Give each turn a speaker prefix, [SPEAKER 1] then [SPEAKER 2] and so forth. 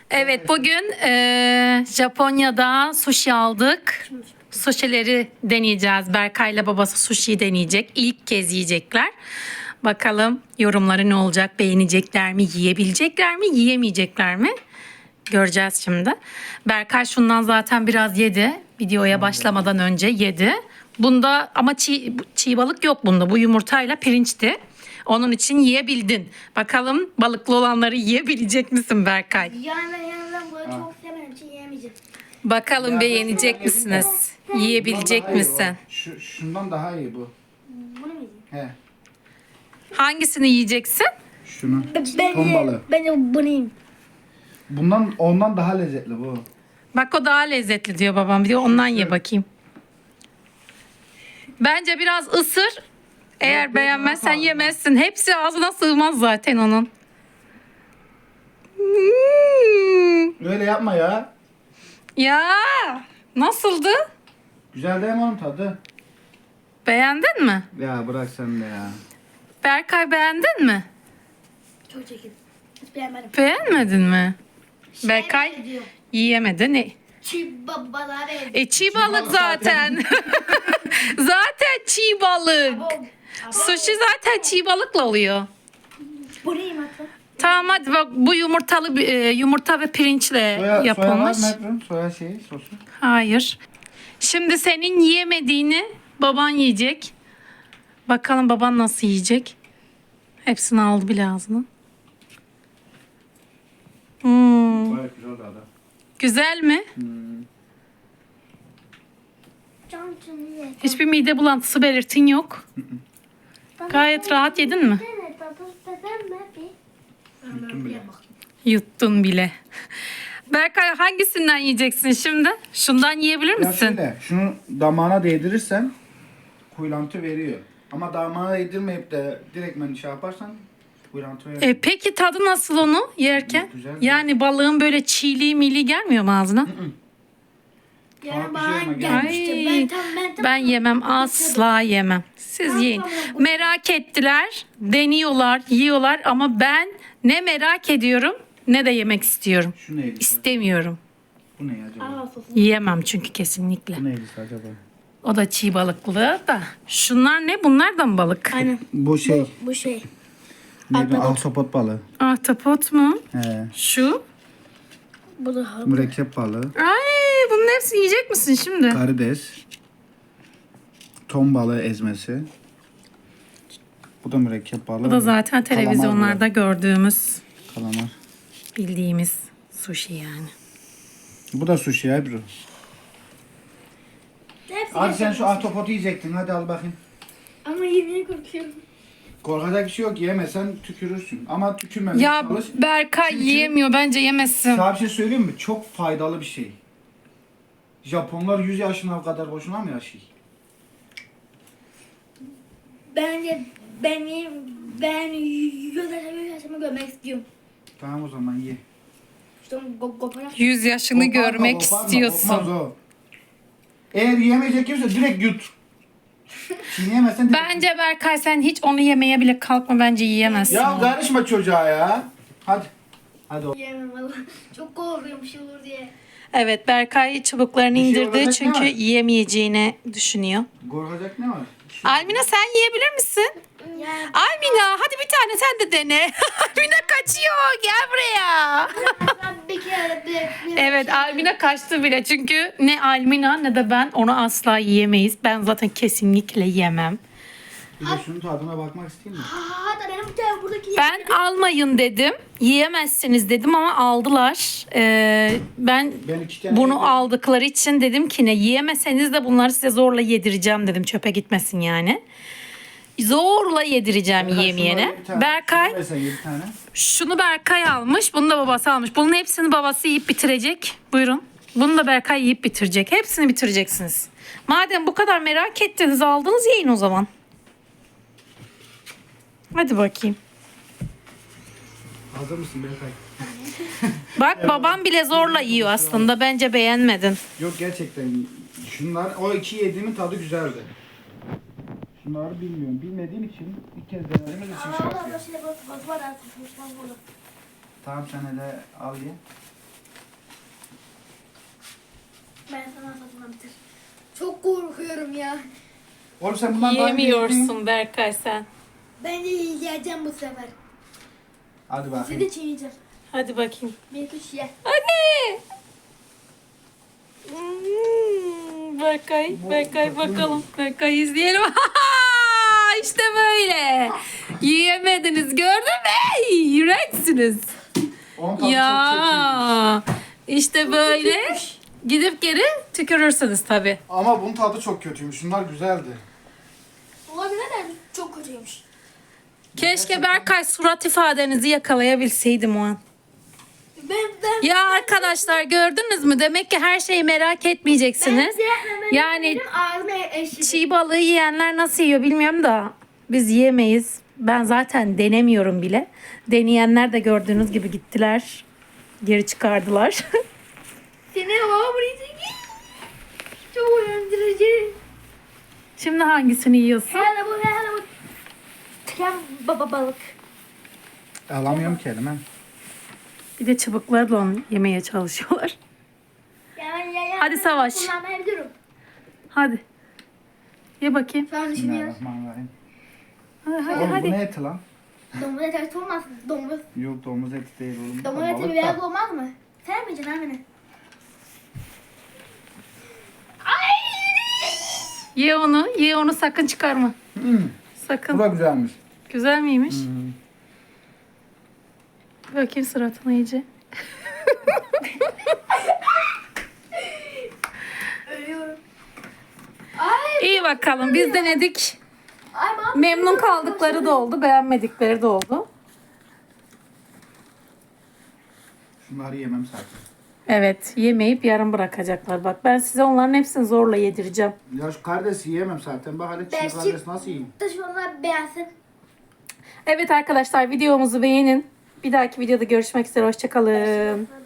[SPEAKER 1] Evet, bugün Japonya'da sushi aldık. Sushi'leri deneyeceğiz. Berkay'la babası sushi deneyecek. İlk kez yiyecekler. Bakalım yorumları ne olacak? Beğenecekler mi? Yiyebilecekler mi? Yiyemeyecekler mi? Göreceğiz şimdi. Berkay şundan zaten biraz yedi. Videoya başlamadan önce yedi. Bunda ama çiğ balık yok bunda. Bu yumurtayla pirinçti. Onun için yiyebildin. Bakalım balıklı olanları yiyebilecek misin Berkay?
[SPEAKER 2] Yani ben bunu çok sevmediğim için yiyemeyeceğim.
[SPEAKER 1] Bakalım
[SPEAKER 3] Ya
[SPEAKER 1] beğenecek
[SPEAKER 3] ben
[SPEAKER 1] misiniz?
[SPEAKER 3] Bundan
[SPEAKER 1] Yiyebilecek
[SPEAKER 3] daha iyi
[SPEAKER 1] misin?
[SPEAKER 3] o. Şundan daha iyi bu.
[SPEAKER 2] Bunu mu yiyeyim?
[SPEAKER 3] He.
[SPEAKER 1] Hangisini yiyeceksin?
[SPEAKER 3] Şunu. Ton balığı.
[SPEAKER 2] Ben de bunu yiyeyim.
[SPEAKER 3] Ondan daha lezzetli bu.
[SPEAKER 1] Bak o daha lezzetli diyor babam. Bir de ondan ye bakayım. Bence biraz ısır. Eğer
[SPEAKER 3] Yok,
[SPEAKER 1] beğenmezsen
[SPEAKER 3] yok,
[SPEAKER 1] yemezsin. Hepsi ağzına sığmaz zaten onun. Hmm.
[SPEAKER 3] Öyle yapma ya.
[SPEAKER 1] Ya nasıldı?
[SPEAKER 3] Güzel değil mi onun tadı?
[SPEAKER 1] Beğendin mi?
[SPEAKER 3] Ya bırak sen de ya.
[SPEAKER 1] Berkay beğendin mi?
[SPEAKER 2] Çok çekin. Hiç beğenmedim.
[SPEAKER 1] Beğenmedin mi? Berkay
[SPEAKER 2] benziyor.
[SPEAKER 1] yiyemedi. Ne?
[SPEAKER 2] Çiğ babalar benziyor.
[SPEAKER 1] Çiğ balık
[SPEAKER 3] balık
[SPEAKER 1] zaten. Zaten çiğ balık.
[SPEAKER 2] Abo.
[SPEAKER 1] Sushi zaten çiğ balıkla oluyor.
[SPEAKER 2] Bunu yiyeyim hatta.
[SPEAKER 1] Tamam hadi bak bu yumurta ve pirinçle
[SPEAKER 3] Soya var
[SPEAKER 1] yapılmış.
[SPEAKER 3] mı Ebru? Soya sosu.
[SPEAKER 1] Hayır. Şimdi senin yiyemediğini baban yiyecek. Bakalım baban nasıl yiyecek. Hepsini aldı bile ağzına.
[SPEAKER 3] Gayet güzel tadı.
[SPEAKER 1] Güzel mi?
[SPEAKER 2] Can ye.
[SPEAKER 1] Hiçbir mide bulantısı belirtin yok. Gayet rahat yedin mi?
[SPEAKER 3] Yuttum bile.
[SPEAKER 1] Yuttun bile. Berkay hangisinden yiyeceksin şimdi? Şundan yiyebilir
[SPEAKER 3] Ya
[SPEAKER 1] misin?
[SPEAKER 3] şöyle, şunu damağına değdirirsen kuyulantı veriyor. Ama damağına değdirmeyip de direktmen şey yaparsan kuyulantı veriyor.
[SPEAKER 1] Peki tadı nasıl onu yerken?
[SPEAKER 3] Güzel.
[SPEAKER 1] Yani balığın böyle çiğliği mili gelmiyor mu ağzına?
[SPEAKER 2] Yani
[SPEAKER 3] Farklı şey
[SPEAKER 2] bana
[SPEAKER 3] ama
[SPEAKER 2] gelmişti.
[SPEAKER 1] Ay, ben yemem, asla yemem. Siz yiyin. Merak ettiler, deniyorlar, yiyorlar ama ben ne merak ediyorum ne de yemek istiyorum.
[SPEAKER 3] Şu neydi?
[SPEAKER 1] İstemiyorum.
[SPEAKER 3] Bu ne acaba?
[SPEAKER 2] Aa, sosu.
[SPEAKER 1] Yiyemem çünkü kesinlikle.
[SPEAKER 3] Bu neydi acaba?
[SPEAKER 1] O da çiğ balıklı da. Şunlar ne? Bunlar da mı balık?
[SPEAKER 2] Aynen.
[SPEAKER 3] Bu şey,
[SPEAKER 2] Bu şey.
[SPEAKER 3] neydi? Ahtapot balığı.
[SPEAKER 1] Ahtapot mu?
[SPEAKER 3] He.
[SPEAKER 1] Şu.
[SPEAKER 2] Bu da hamur.
[SPEAKER 3] Mürekkep balığı.
[SPEAKER 1] Ay, bunun hepsini yiyecek misin şimdi?
[SPEAKER 3] Karides. Ton balığı ezmesi. Bu da mürekkep balığı.
[SPEAKER 1] Bu da zaten televizyonlarda gördüğümüz,
[SPEAKER 3] Kalamar.
[SPEAKER 1] bildiğimiz sushi yani.
[SPEAKER 3] Bu da sushi ya Ebru.
[SPEAKER 2] Hepsi
[SPEAKER 3] Hadi sen
[SPEAKER 2] yeter.
[SPEAKER 3] şu ahtapotu yiyecektin. Hadi al bakayım.
[SPEAKER 2] Ama yemeye korkuyorum.
[SPEAKER 3] Korkacak bir şey yok. Yemesen tükürürsün. Ama tükürmemeye
[SPEAKER 1] Ya
[SPEAKER 3] çalış.
[SPEAKER 1] Berkay
[SPEAKER 3] Çünkü-
[SPEAKER 1] yiyemiyor, bence yemesin.
[SPEAKER 3] Sana bir şey söyleyeyim mi? Çok faydalı bir şey. Japonlar 100 yaşına kadar boşuna mı yaşıyor?
[SPEAKER 2] Bence ben yüzleşme görmek istiyorum.
[SPEAKER 3] Tamam o zaman ye.
[SPEAKER 2] İşte koparak.
[SPEAKER 1] 100 yaşını
[SPEAKER 3] Koparma,
[SPEAKER 1] görmek
[SPEAKER 3] koparma,
[SPEAKER 1] istiyorsun.
[SPEAKER 3] kopmaz o. Eğer yiyemeyecek kimse direkt yut. Çiğneyemezsen direkt
[SPEAKER 1] Bence Berkay sen hiç onu yemeye bile kalkma, bence yiyemezsin.
[SPEAKER 3] Ya karışma çocuğa ya. Hadi. Hadi o.
[SPEAKER 2] Yemem valla. Çok korkuyorum bir şey olur diye.
[SPEAKER 1] Evet, Berkay çubuklarını
[SPEAKER 3] Bir şey
[SPEAKER 1] indirdi
[SPEAKER 3] olacak ne
[SPEAKER 1] çünkü
[SPEAKER 3] var?
[SPEAKER 1] yiyemeyeceğini düşünüyor.
[SPEAKER 3] Korkacak ne var?
[SPEAKER 1] Almina sen yiyebilir misin?
[SPEAKER 2] Yani
[SPEAKER 1] Almina hadi bir tane sen de dene. Almina kaçıyor, gel buraya.
[SPEAKER 2] ben bir kere bir
[SPEAKER 1] Evet, Almina kaçtı bile çünkü ne Almina ne de ben onu asla yiyemeyiz. Ben zaten kesinlikle yemem.
[SPEAKER 3] Bir de şunun tadına bakmak isteyeyim mi?
[SPEAKER 2] Hatta benim bir tane buradaki
[SPEAKER 1] Ben almayın dedim. Yiyemezsiniz dedim ama aldılar. Ben
[SPEAKER 3] Ben 2 tane
[SPEAKER 1] bunu
[SPEAKER 3] yedim.
[SPEAKER 1] aldıkları için dedim ki ne yiyemeseniz de bunları size zorla yedireceğim dedim. Çöpe gitmesin yani. Zorla yedireceğim
[SPEAKER 3] Berkay,
[SPEAKER 1] yiyemeyene.
[SPEAKER 3] şunları bir tane-
[SPEAKER 1] Berkay
[SPEAKER 3] şunu versen 7 tane.
[SPEAKER 1] şunu Berkay almış. Bunu da babası almış. Bunun hepsini babası yiyip bitirecek. Buyurun. Bunu da Berkay yiyip bitirecek. Hepsini bitireceksiniz. Madem bu kadar merak ettiniz aldınız yiyin o zaman. Hadi bakayım.
[SPEAKER 3] Hazır mısın Berkay?
[SPEAKER 1] Bak babam bile zorla yiyor aslında. Bence beğenmedin.
[SPEAKER 3] Yok gerçekten. Şunlar o iki yediğimin tadı güzeldi. Şunları bilmiyorum. Bilmediğim için ilk kez denediğimiz için şey
[SPEAKER 2] Aa,
[SPEAKER 3] yapıyorum.
[SPEAKER 2] şey var artık.
[SPEAKER 3] Tamam sen hele al ye.
[SPEAKER 2] Ben sana satmam bitir. Çok korkuyorum ya.
[SPEAKER 3] Oğlum sen bundan daha önce yedin.
[SPEAKER 1] Yemiyorsun Berkay sen.
[SPEAKER 2] Ben de yiyeceğim bu sefer.
[SPEAKER 3] Hadi
[SPEAKER 2] Sizi
[SPEAKER 3] bakayım.
[SPEAKER 2] de çiğneyeceğim.
[SPEAKER 1] Hadi bakayım.
[SPEAKER 2] Bir kuş ye.
[SPEAKER 1] Hadi. Berkay bakalım. Berkay izleyelim. İşte böyle. Yiyemediniz gördün mü? İğrençsiniz.
[SPEAKER 3] Onun tadı çok kötüymüş.
[SPEAKER 1] Ya. İşte böyle. Gidip geri tükürürsünüz tabii.
[SPEAKER 3] Ama bunun tadı çok kötüymüş. Şunlar güzeldi.
[SPEAKER 2] Olabilir de çok kötüymüş.
[SPEAKER 1] Keşke Berkay surat ifadenizi yakalayabilseydim o an.
[SPEAKER 2] Ben
[SPEAKER 1] Ya arkadaşlar gördünüz mü? Demek ki her şeyi merak etmeyeceksiniz. Yani
[SPEAKER 2] benim ağzıma eşit.
[SPEAKER 1] çiğ balığı yiyenler nasıl yiyor bilmiyorum da biz yiyemeyiz. Ben zaten denemiyorum bile. Deneyenler de gördüğünüz gibi gittiler. Geri çıkardılar.
[SPEAKER 2] Seni baba buraya çekeyim. Çok uyandırıcı.
[SPEAKER 1] Şimdi hangisini yiyorsun?
[SPEAKER 2] Hele bu. Krem baba balık.
[SPEAKER 3] Alamıyorum ki elime.
[SPEAKER 1] Bir de çubuklarla onu yemeye çalışıyorlar. Hadi Savaş.
[SPEAKER 2] Kullanmayabilirim.
[SPEAKER 1] Hadi. Ye bakayım.
[SPEAKER 2] Şu an düşünüyorum.
[SPEAKER 3] Bismillahirrahmanirrahim.
[SPEAKER 1] Hadi
[SPEAKER 3] Oğlum bu
[SPEAKER 1] hadi.
[SPEAKER 3] ne eti lan?
[SPEAKER 2] Domuz eti olmaz. Domuz.
[SPEAKER 3] Yok domuz eti değil oğlum.
[SPEAKER 2] Domuz
[SPEAKER 3] Balık
[SPEAKER 2] eti
[SPEAKER 3] da.
[SPEAKER 2] beyaz olmaz mı? Sevmeyeceksin abi.
[SPEAKER 1] Ye onu sakın çıkarma. Sakın.
[SPEAKER 3] Bu da güzelmiş.
[SPEAKER 1] Güzel miymiş? Bakayım suratına iyice.
[SPEAKER 2] Ölüyorum. Ay.
[SPEAKER 1] İyi bakalım biz denedik.
[SPEAKER 2] Ay mama.
[SPEAKER 1] Memnun kaldıkları da oldu, beğenmedikleri de oldu.
[SPEAKER 3] Şunları yemem zaten.
[SPEAKER 1] Evet, yemeyip yarım bırakacaklar. Bak ben size onların hepsini zorla yedireceğim.
[SPEAKER 3] Ya şu karidesi yiyemem zaten. Bak hele
[SPEAKER 2] Ben
[SPEAKER 3] çiğ karides nasıl yiyeyim?
[SPEAKER 2] Taşımalar beğensin.
[SPEAKER 1] Evet arkadaşlar videomuzu beğenin. Bir dahaki videoda görüşmek üzere. Hoşçakalın.